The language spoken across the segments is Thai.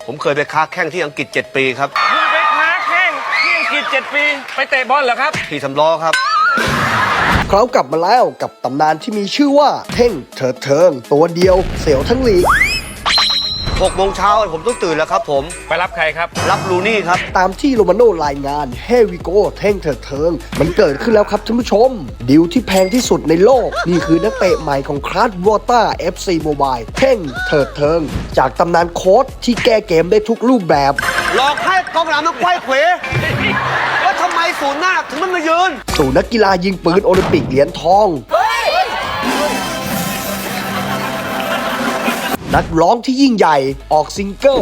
ผมเคยไปค้าแข่งที่อังกฤษ7 ปีครับคุณไปค้าแข่งที่อังกฤษ7 ปีไปเตะบอลเหรอครับขี่สำล้อครับเขากลับมาแล้วกับตำนานที่มีชื่อว่าเท่งเถิดเทิงตัวเดียวเสียวทั้งลีก 6 โมงเช้าผมต้องตื่นแล้วครับผมไปรับใครครับรับลูนี่ครับตามที่โรมาโน่รายงานเฮวิโกเท่งเถิดเทิงมันเกิดขึ้นแล้วครับท่านผู้ชมดิวที่แพงที่สุดในโลกนี่คือนักเตะใหม่ของคลาสวอเตอร์ FC Mobile เท่งเถิดเทิงจากตำนานโค้ชที่แก้เกมได้ทุกรูปแบบหลอกให้กองหลังมันไขว้เขวว่าทำไมศูนย์หน้าถึงมันมายืนสู่นักกีฬายิงปืนโอลิมปิกเหรียญทองนักร้องที่ยิ่งใหญ่ออกซิงเกิล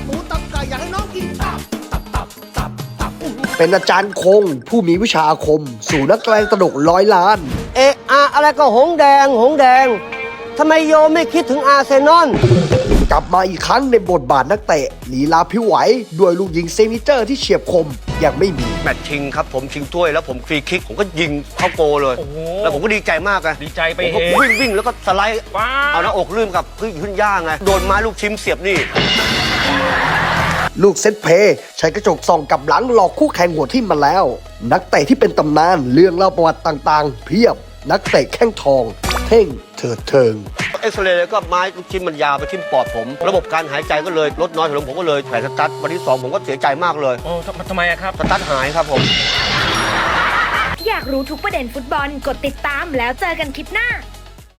เป็นอาจารย์คงผู้มีวิชาอาคมสู่นักแสดงตลก100 ล้านอะไรก็หงแดงทำไมโยไม่คิดถึงอาร์เซนอลกลับมาอีกครั้งในบทบาทนักเตะลีลาพิ้วไหวด้วยลูกยิงเซนิเจอร์ที่เฉียบคมยังไม่มีแมตช์ชิงครับผมชิงถ้วยแล้วผมฟรีคิกผมก็ยิงเข้าโกเลยแล้วผมก็ดีใจมากไงดีใจไปผมก็วิ่งแล้วก็สไลด์เอาหน้าอกลื่นกับขึ้นย่างไงโดนไม้ลูกชิมเสียบนี่ลูกเซตเพย์ใช้กระจกส่องกับหลังหลอกคู่แข่งหัวทิ่มมาแล้วนักเตะที่เป็นตำนานเรื่องเล่าประวัติต่างๆเพียบนักเตะแข้งทองเท่งเถิดเทิงเอ็กซเรย์ก็ไม้ลูกชิ้นมันยาวไปทิ่มปอดผมระบบการหายใจก็เลยลดน้อยลงผมก็เลยแผลสตั๊ดวันที่ 2ผมก็เสียใจมากเลยโอ้ทำไมครับสตั๊ดหายครับผมอยากรู้ทุกประเด็นฟุตบอลกดติดตามแล้วเจอกันคลิปหน้า